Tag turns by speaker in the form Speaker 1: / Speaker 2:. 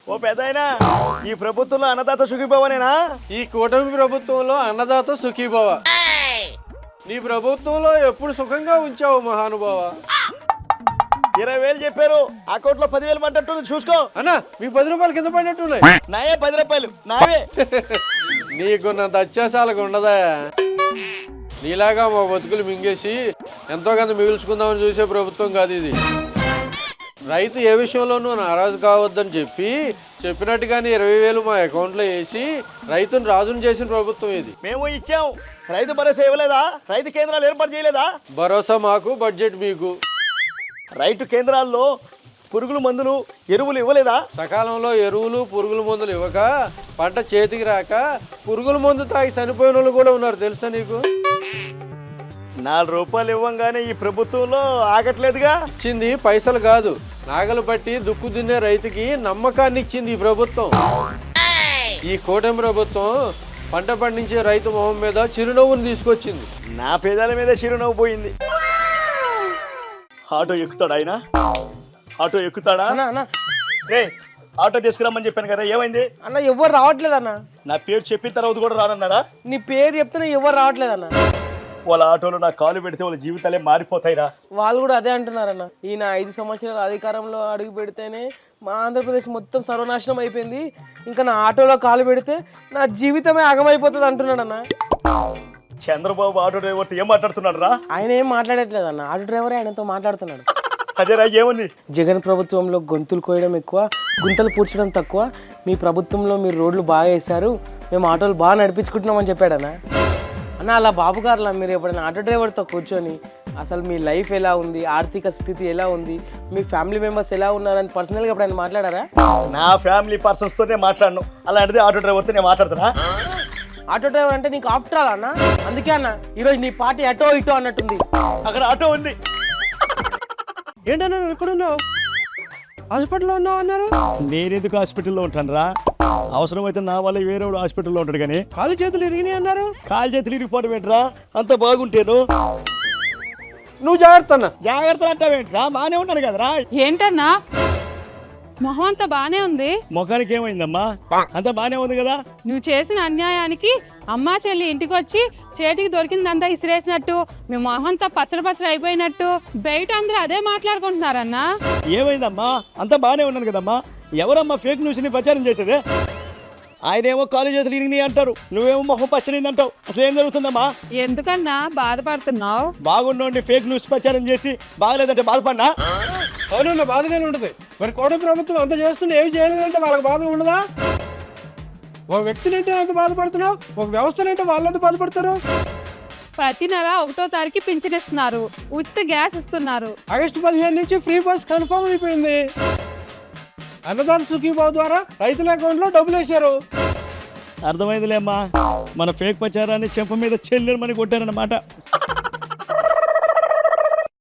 Speaker 1: ఓ పెద్దాయనా, ఈ ప్రభుత్వంలో అన్నదాత సుఖీభవనేనా?
Speaker 2: ఈ కూటమి ప్రభుత్వంలో అన్నదాత సుఖీభవ. నీ ప్రభుత్వంలో ఎప్పుడు సుఖంగా ఉంచావు మహానుభావ?
Speaker 1: 20,000 చెప్పారు, అకౌంట్ లో 10,000 పడ్డట్టుంది, చూసుకో.
Speaker 2: అన్నా మీకు 10 రూపాయలు కింద పడినట్టున్నాయి.
Speaker 1: నాయే 10 రూపాయలు నావే.
Speaker 2: నీకున్నంత అత్యాసాలకు ఉండదా? నీలాగా మా బతుకులు మింగేసి ఎంతో కొంత మిగుల్చుకుందామని చూసే ప్రభుత్వం కాదు ఇది. రైతు ఏ విషయంలోనూ నారాజు కావద్దని చెప్పినట్టుగానే 20,000 మా అకౌంట్లో వేసి రైతును రాజును చేసిన ప్రభుత్వం ఇది.
Speaker 1: మేము ఇచ్చాం, రైతు భరోసా ఇవ్వలేదా? రైతు కేంద్రాలు ఏర్పాటు చేయలేదా?
Speaker 2: భరోసా మాకు, బడ్జెట్ మీకు.
Speaker 1: రైతు కేంద్రాల్లో పురుగుల మందులు ఎరువులు ఇవ్వలేదా?
Speaker 2: సకాలంలో ఎరువులు పురుగుల మందులు ఇవ్వక పంట చేతికి రాక పురుగుల మందు తాగి చనిపోయిన వాళ్ళు కూడా ఉన్నారు, తెలుసా నీకు?
Speaker 1: 4 రూపాయలు ఇవ్వంగానే ఈ ప్రభుత్వంలో ఆగట్లేదుగా.
Speaker 2: ఇచ్చింది పైసలు కాదు, నాగలు పట్టి దుక్కు దున్నే రైతుకి నమ్మకాన్ని ఇచ్చింది ఈ ప్రభుత్వం. ఈ కూటమి ప్రభుత్వం పంట పండించే రైతు మొహం మీద చిరునవ్వును తీసుకొచ్చింది.
Speaker 1: నా పేదాల మీద చిరునవ్వు పోయింది. ఆటో ఎక్కుతాడా ఆయన? ఆటో ఎక్కుతాడా? రే, ఆటో తీసుకురామని చెప్పాను కదా, ఏమైంది?
Speaker 3: అన్న ఎవరు రావట్లేదు అన్న.
Speaker 1: నా పేరు చెప్పిన తర్వాత కూడా రానన్నారా?
Speaker 3: నీ పేరు చెప్తేనే ఎవరు రావట్లేదు అన్న.
Speaker 1: వాళ్ళ ఆటోలో నా కాలు పెడితే వాళ్ళ జీవితాలే మారిపోతాయిరా.
Speaker 3: వాళ్ళు కూడా అదే అంటున్నారన్న. ఈయన 5 సంవత్సరాల అధికారంలో అడుగు పెడితేనే మా ఆంధ్రప్రదేశ్ మొత్తం సర్వనాశనం అయిపోయింది, ఇంకా నా ఆటోలో కాలు పెడితే నా జీవితమే ఆగమైపోతుంది అంటున్నాడు అన్న.
Speaker 1: చంద్రబాబు ఆటో డ్రైవర్తో ఏం మాట్లాడుతున్నాడు రా?
Speaker 3: ఆయన ఏం మాట్లాడట్లేదు అన్న, ఆటో డ్రైవరే ఆయనతో మాట్లాడుతున్నాడు.
Speaker 1: అదేరా, ఏముంది?
Speaker 3: జగన్ ప్రభుత్వంలో గొంతులు కోయడం ఎక్కువ, గుంతలు పూడ్చడం తక్కువ. మీ ప్రభుత్వంలో మీరు రోడ్లు బాగా వేశారు, మేము ఆటోలు బాగా నడిపించుకుంటున్నామని చెప్పాడన్న. అన్న అలా బాబు గారులా మీరు ఎప్పుడైనా ఆటో డ్రైవర్తో కూర్చొని అసలు మీ లైఫ్ ఎలా ఉంది, ఆర్థిక స్థితి ఎలా ఉంది, మీ ఫ్యామిలీ మెంబర్స్ ఎలా ఉన్నారని పర్సనల్గా ఎప్పుడైనా మాట్లాడారా?
Speaker 1: నా ఫ్యామిలీ పర్సన్స్తోనే మాట్లాడను, అలాంటిది ఆటో డ్రైవర్తో నేను మాట్లాడుతున్నా.
Speaker 3: ఆటో డ్రైవర్ అంటే నీకు ఆఫ్టర్ ఆల్ అన్న. అందుకే అన్న ఈరోజు నీ పార్టీ అటో ఇటో అన్నట్టుంది.
Speaker 1: అక్కడ ఆటో ఉంది.
Speaker 2: ఏంటన్నా ఎక్కడున్నావు? హాస్పిటల్లో ఉన్నావు అన్నారు.
Speaker 1: నేనెందుకు హాస్పిటల్లో ఉంటాను రా? అవసరమైతే నా వల్ల వేరే హాస్పిటల్లో ఉంటాడు కానీ
Speaker 2: కాలు చేతులు ఇరిగినాయి అన్నారు.
Speaker 1: కాలు చేతులు ఇరిగిపోవడం ఏంట్రా? అంత బాగుంటేను
Speaker 2: నువ్వు జాగ్రత్త అన్న.
Speaker 1: జాగ్రత్త అంటావేంట్రా? బాగానే ఉంటాను కదరా.
Speaker 4: ఏంటన్నా మొహం అంతా బానే ఉంది,
Speaker 1: ముఖానికి ఏమైందమ్మా? అంత బాగానే ఉంది కదా.
Speaker 4: నువ్వు చేసిన అన్యాయానికి అమ్మా చెల్లి ఇంటికి వచ్చి చేతికి దొరికిందంతా ఇసిరేసినట్టు మీ మొహంతా పచ్చడి అయిపోయినట్టు బయట అందరూ అదే మాట్లాడుకుంటున్నారన్నా.
Speaker 1: ఏమైందమ్మా? అంత బాగానే ఉన్నాను కదమ్మా. ఎవరమ్మా ఫేక్ న్యూస్ ని ప్రచారం చేసేదే? ఆయనేమో కాలేజ్ చేతులు ఇరిగినాయి అంటారు, నువ్వేమో మొహం పచ్చనింది అంటావు. అసలు ఏం జరుగుతుందమ్మా?
Speaker 4: ఎందుకన్నా బాధపడుతున్నావు?
Speaker 1: బాగుండి ఫేక్ న్యూస్ ప్రచారం చేసి బాగలేదంటే బాధపడినా?
Speaker 2: అవునన్నా, బాధగానే ఉంటుంది. మరి కూటమి ప్రభుత్వం అంత చేస్తుంటే ఏమి చేయలేదంటే వాళ్ళకి బాధ ఉండదా? ఒక వ్యక్తినంటే అంత బాధపడుతున్నావు, ఒక వ్యవస్థనంటే వాళ్ళంతా బాధపడతారు.
Speaker 4: ప్రతి నెల 1వ తారీఖు పింఛన్ ఇస్తున్నారు, ఉచిత గ్యాస్ ఇస్తున్నారు.
Speaker 2: ఆగస్టు 15 నుంచి ఫ్రీ బస్ కన్ఫర్మ్ అయిపోయింది. అన్నదాత సుఖీభావ ద్వారా రైతుల అకౌంట్లో డబ్బులు వేశారు.
Speaker 1: అర్థమైందిలేమ్మా, మన ఫేక్ ప్రచారాన్ని చెంప మీద చెల్లెమని కొట్టారన్నమాట.